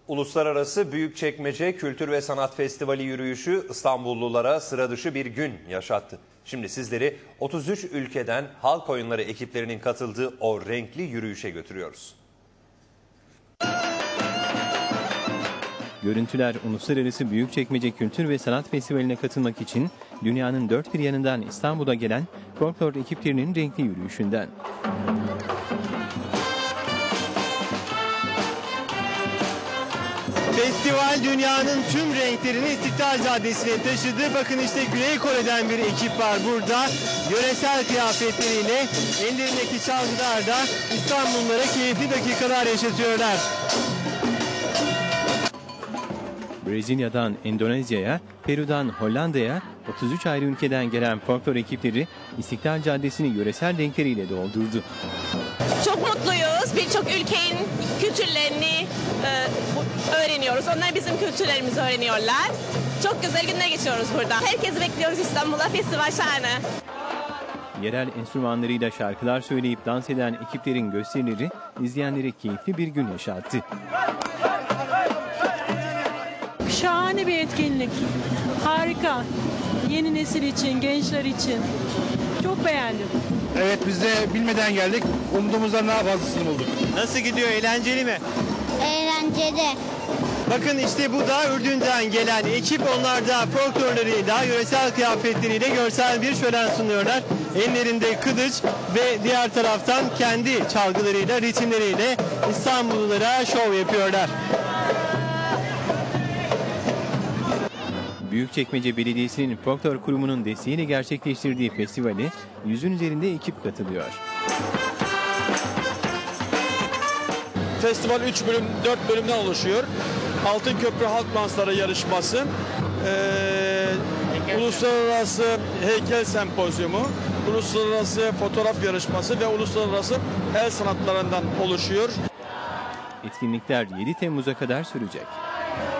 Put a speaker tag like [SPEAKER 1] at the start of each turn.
[SPEAKER 1] Uluslararası Büyükçekmece Kültür ve Sanat Festivali yürüyüşü İstanbullulara sıra dışı bir gün yaşattı. Şimdi sizleri 33 ülkeden halk oyunları ekiplerinin katıldığı o renkli yürüyüşe götürüyoruz.
[SPEAKER 2] Görüntüler Uluslararası Büyükçekmece Kültür ve Sanat Festivali'ne katılmak için dünyanın dört bir yanından İstanbul'a gelen folklor ekiplerinin renkli yürüyüşünden.
[SPEAKER 3] Festival dünyanın tüm renklerini İstiklal Caddesi'ne taşıdı. Bakın işte Güney Kore'den bir ekip var burada. Yöresel kıyafetleriyle ellerindeki çalgılarla İstanbullulara keyifli dakikalar yaşatıyorlar.
[SPEAKER 2] Brezilya'dan Endonezya'ya, Peru'dan Hollanda'ya 33 ayrı ülkeden gelen folklor ekipleri İstiklal Caddesi'ni yöresel renkleriyle doldurdu.
[SPEAKER 4] Çok mutluyuz. Birçok ülkenin kültürlerini öğreniyoruz. Onlar bizim kültürlerimizi öğreniyorlar. Çok güzel günler geçiyoruz burada. Herkesi bekliyoruz İstanbul'a. Festival şahane.
[SPEAKER 2] Yerel enstrümanlarıyla şarkılar söyleyip dans eden ekiplerin gösterileri izleyenlere keyifli bir gün yaşattı.
[SPEAKER 5] Şahane bir etkinlik. Harika. Yeni nesil için, gençler için. Çok beğendim.
[SPEAKER 6] Evet, biz de bilmeden geldik. Umduğumuzdan daha fazlasını bulduk.
[SPEAKER 3] Nasıl gidiyor? Eğlenceli mi?
[SPEAKER 7] Eğlenceli.
[SPEAKER 3] Bakın işte bu da Ürdün'den gelen ekip. Onlar da folklorlarıyla, yöresel kıyafetleriyle görsel bir şölen sunuyorlar. Ellerinde kılıç ve diğer taraftan kendi çalgılarıyla, ritimleriyle İstanbullulara şov yapıyorlar.
[SPEAKER 2] Büyükçekmece Belediyesi'nin folklor kurumunun desteğiyle gerçekleştirdiği festivale 100'ün üzerinde ekip katılıyor.
[SPEAKER 6] Festival 4 bölümden oluşuyor. Altın Köprü Halk Dansları yarışması, Uluslararası Heykel Sempozyumu, Uluslararası Fotoğraf Yarışması ve Uluslararası El Sanatlarından oluşuyor.
[SPEAKER 2] Etkinlikler 7 Temmuz'a kadar sürecek.